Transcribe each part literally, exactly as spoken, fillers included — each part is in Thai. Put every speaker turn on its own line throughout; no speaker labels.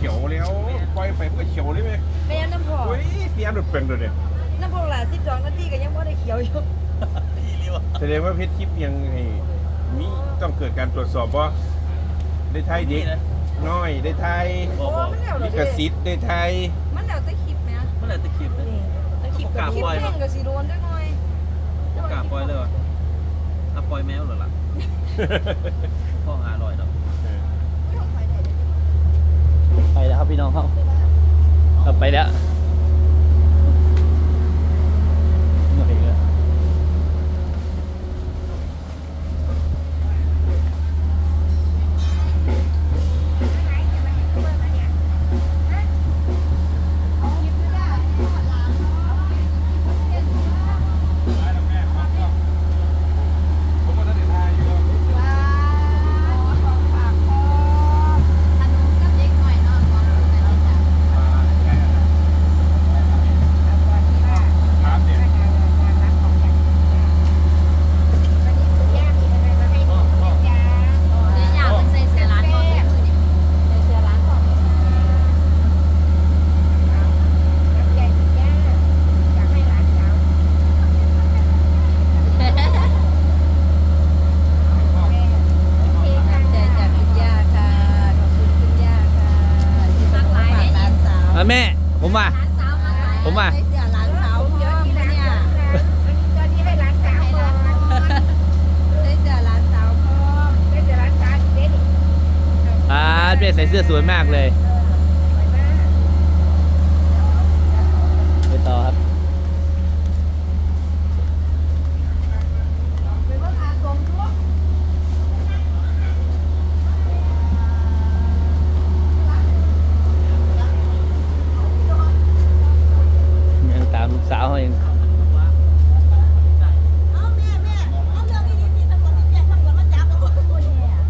ขียวแล้วปล่อยไปมันก็เขียวเลยไหม
ไม่งั้นน้ำพอ
เฮ้ยเสียหลุดเป็นเลยเนี่ย
น้ำพอหลายสิบสองนาทีก็ยังไม่ได้เขียวอยู่
แสดงว่าเพชรคลิปยังไงมีต้องเกิดการตรวจสอบว่าได้ไทยเด็กน้อยได้ไทย
โอ้มันแล้วเหร
ลิ
อ
ขสิทธิ์ได้ไทย
มันแล้วแต่คลิปไหม
เมื่อไหร่จะคลิป
นี่แต่คลิปกับคลิปเพ่งกับสีโดนด้วยหน่อย
กล้าปล่อยเลยวะอ่ะปล่อยแมวเหรอล่ะพ่อหาลอยดอกไปแล้วครับพี่น้องเขาเราไปแล้วเหนื่อยแล้วแม่ผมมาผมมา
เสือหลานสาวเยอะที่เนี่ยตอนนี้ให้หลานสาวก่อนใส่เสือหลานสาวพร้อมใส่เสือหลานสาวเด็ด
อ่าเม่ใส่เสื้อสวยมากเลยไปต่อครับยังตามลูกสาวเขาเอง
เอาแม่แม่เอาเรื่องนี้ที่ตำรวจแจ้งตำรวจมาจับโอ้โห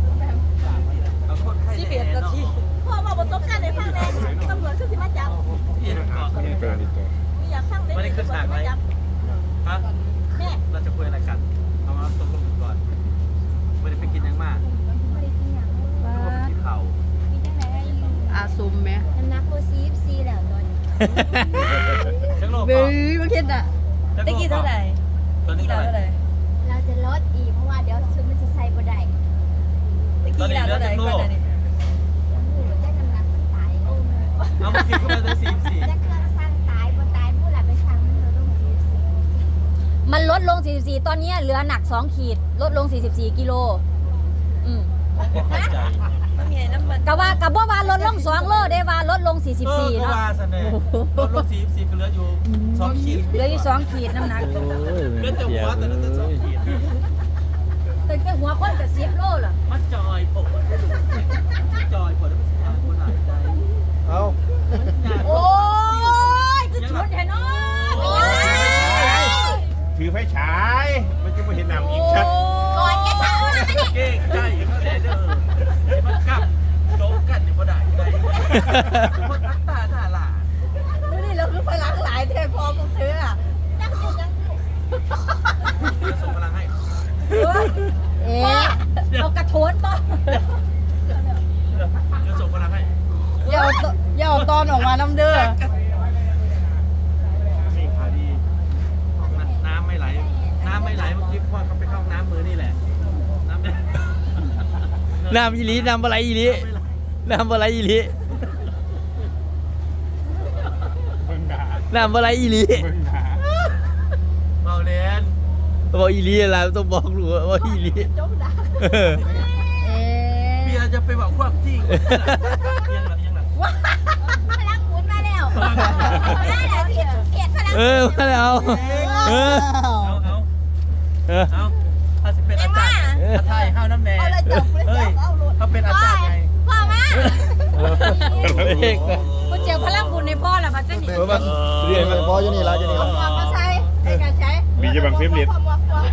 สิบเอ็ดนาทีพ่อบอกประสบการณ์ในฟังแน่ตำรวจคือสิมาจับ
นี่ตัวนี้ตัว
ไม่อยากฟังเลย
ไม่ได้ขึ้นฉากไหมฮะ
แม่
เราจะคุยอะไรกันเอามาตกลงกันก่อนไม่ได้ไปกินยังมาก
ไม่ได้กินอย่าง
ทุกคนกินเข่า
มีจังไหน
อาซุมไหม
น้ำหนักโบซีฟซีแล้วตอนนี้
ชักโลก
เบ้
ก่อน
ยมาเข็ดอ่ะ
ตะกี้เท่าไหร่ตอนนี้เท่าไหร่
เราจะลดอีกเพราะว่าเดี๋ยวชุดมันจะใส่บ่ได้
ตะกี้เท่าไหร่ก่อนนี่
แจ้งน้ำหนักมันตายโอ้โห
เอามากินเข้าไปเลยสี่สี่
แจ้งเครื่องสร้างตายบ่ตายผู้หลักไปสั่งมันลดลงซีฟซี
มันลดลง สี่สิบสี่ ตอนนี้เหลือหนัก สอง ขีด ลดลง สี่สิบสี่ กิโล อืม
ใจ
มันมีน้ำมัน
กะว่ากับว่าว่าลดลงสองโลได้ว่าลดลง สี่สิบสี่
เนาะ
เนาะ
ว่าสน่ห์ลดลงสี่สี่ก็เหลืออยู่สองขีด
เหลืออยู่สองขีดน้ำหนัก
เหลือแต่หัวแต่นั้นแต่สองขีด
แต่แต่หัวคนกับสิบโลล่ะ
มันจอยผมมันจอยผมแล้วมันสิทางคนหลายใจ
เอา
โอ้ยคือชุดเห็นเนาะ
ถือไฟฉายมันจะไม่เห็นหนำอีกชัด
ก่อนแกเช้านะไม่ได้
เก่งใจเขาเลยเด้อมันกลับโจ๊กกันอยู่บ่ได้ใจมันอัตตาหน้าหล่า
ไม่ได้เราคือพลังหลายเทพอพวกเธออ่ะ
จังอยู่จังอยู่
จะส่งพลังให้
เอ๊ะเอากระโถนป่ะ
จะส่งพลังให้
อย่าเอาอย่าเอาตอนออกมาน้ำเด้อ
นี่พอดีน้ำไม่ไหลน้ำไม่ไหลเมื่อกี้พ่อเขาไปเข้าน้ำมือนี่แหละน้ำไม่
น้ำอีหลีน้ำอะไรอีหลีน้ำอะไรอีหลี
เบิ่งหนา
น้ำอะไรอีหลี
เบิ่งหนา
เมาเรียน
บอกอีหลีอะไรต้องบอกหนูว่าอีหลีเออ
เอ๊
เบีย
ะ
ร์จะไปบอกความจริงยังหลับยังหลับ
พลังหมุนมาแล้วมาแล้วเขียดเขียดพลัง
เออมาแล้วเออ
เอาเอา
เออ
เอาถ้าสิเป็นอาจารย์ถ้าไทยห้าวน้ำแดง
เอาเลยจับเลย
เฮ้ย
จับเอาโหลด
เขาเป็นอาจารย์ไง
พ่อมา
เอก
กูเจอพลังบุญในพ่อละพัชนี
เออมาเรียนมา
พออยู่นี่แล้วอยู่นี่
เอา
แล้ว
หมวกมาใส่ใส่กันใช้
มีจะบังเฟมเลียด
หมวกหมวก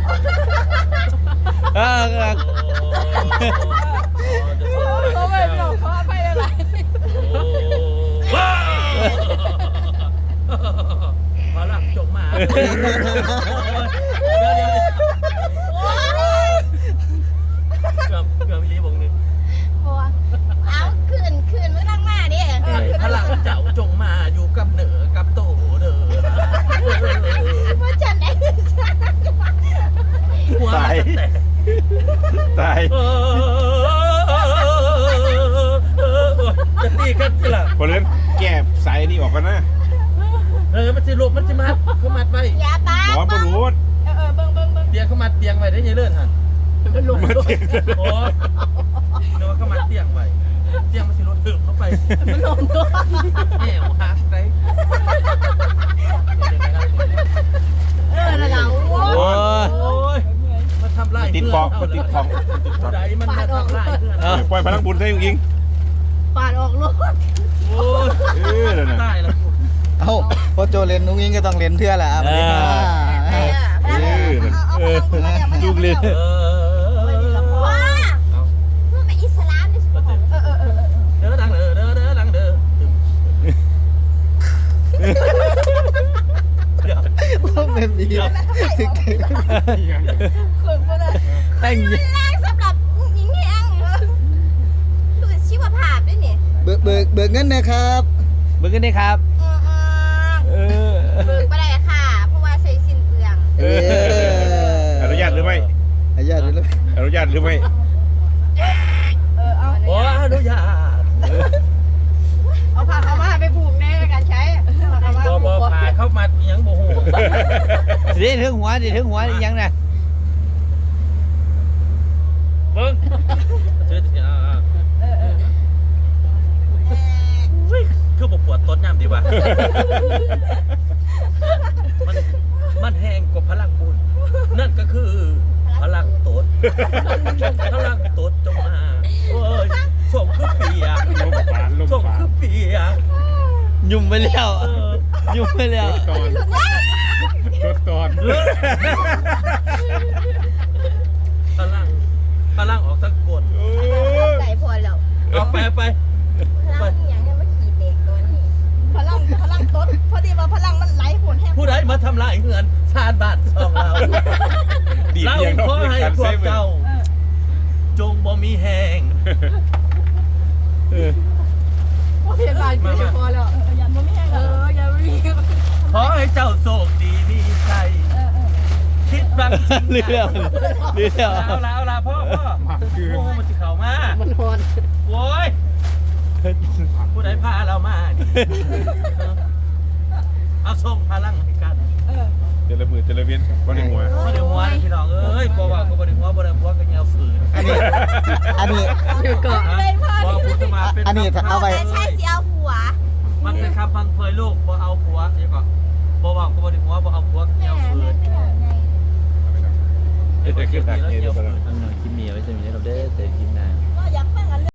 อ่า
เขาไม่บอกเขาไปอะไร
พอละจบมาเดี๋ยวเดี๋ยวเกือบเกือบมีรีบงนึง
บัวเอาคืนคืนเมื่อตั้งมาดิ
พอเล่นแก้สายนี่ออกกันนะ
เออมันสิลูกมันสิมัดเขามัดไว้
อย่าปา
หมอบ่รู้
เออเออเบิ่งเบิ่งเบิ่ง
เตียงเขามัดเตียงไว้ได้ยังเลื่อนหัน
มาเตียง
โอ้เดี๋ยวว่าเขามัดเตียงไว้เตียงมันสิรถถึงเข้าไป
มันลงตัว
แง่วหักไป
เออนะเราโอ้
โอ้ย
โอ้ยมันทำลาย
ติดคองมันติดคอง
ผู้ใดมันมาทำลายเพื่อน
เอ้า
ปล่อยพลังบุญได้จริง
ปาดออกรถ
โอ้ย
ๆเออนั่นน่ะ
ตายแล้ว
เอ้าพอโจเลนนุ้งยิงก็ต้องเลนเพื่อแหละอ่ะสวัสดีค่ะ
เออ
เออนั่น
เออลูกเลย
เออ
ว้า
เอา
เพื่อเป็นอิสลามนี่สิบอกเออเออเออ
เด้อดังเด้อเด้อเด้อดังเด้อเดี๋ยว
ว่าเป็นดี
คนบ่ได้
แต่ง
แรงสำหรับผู้หญิงแห้งคือชีวภาพด้วยนี่
เบิกเบิกเบิกเงินนะครับ
เบิ่งกันได้ครับ
เออ
เออ
เบิกบ่ได้ค่ะ เพราะว่าใช้สิ้นเปลือง
เอออนุญาตหรือไม่
อนุญาตหรือไม่
อนุญาตหรือไม่
เออเอา
โอ้อนุญาต
เอาผ้าขาวม้าไปผูกในการใช้ผ้าขาวม้า
บอ
ผู
บอก
คอ
ผ่าเข้ามาอีหยังโมโห
เดี๋ยวถึงหัวเดี๋ยวถึงหัวอีกยังนะ
เบิ้งชื่อที่อ่า
เออเออ
อุ้ยคือบอกปวดต้นน้ำดีว่ะมันมันแห้งกว่าพลังบุญนั่นก็คือพลังตดพลังตดจงมาโอ้ยส่งคือเปียก
ลมปานลม
ส่ง
ปาน
คือเปียก
ยุ่มไปแล้ว
เออ
ยุ่มไปแล้ว
ตอนตอนตอน
พลังพลังออกทั้งกล
โอ้ย
ใส่พอแล้ว
เอาไปไป
พลังอย่างนี้มาขี่เด็กตัวนี้พลังพลังต้นพอดีว่าพลังมันไหลโหนแห้ง
ผู้ใดมาทำลายเงินชาติบ้านช่องเรา
ดีด
เรา
เพียงนอก
ขอ
ด้วย
ให้
การ
พว
ใช้
ก
มือ
เจ้า จงบ่มีแหง
เออ
พยาบาลคือพอแล้วยันบ่มีแห้งเออยันบ่มี
ขอให้เจ้าโชคดีมีชัยคิดบังสิ่ง
เรื่องเรื่อง
เอาละเอาละพ่อพ่อ
มาคือ
โอ้มันจะเข่ามา
มันฮอน
โว้ยผู้ใดพาเรามานี่เอาส่งพลังให้กัน
เจริญมือเจริญเวียนบ่ได้หัว
บ่ได้หัวนะพี่น้องเอ้ยบ่ว่าก็บ่ได้หัวบ่ได้หัวก็เหนียวฝืน
อันนี้อันนี้
เดี๋ยวก่อน
บ่พูดมาเป็น
อันนี้ถ้าเอาไว้
ใช่สิเอาหัว
มันเป็นคำพังเพยลูกบ่เอาผัวเดี๋ยวก่อนบ่ว่าก็บ่ได้หัวบ่เอาผัวก็เหนียวฝืน
เดี๋ยวจะขึ้นทางนี้เดี๋ยวก่อน
คลิปนี้ไว้จะมีให้เราได้แต่คลิปหน้า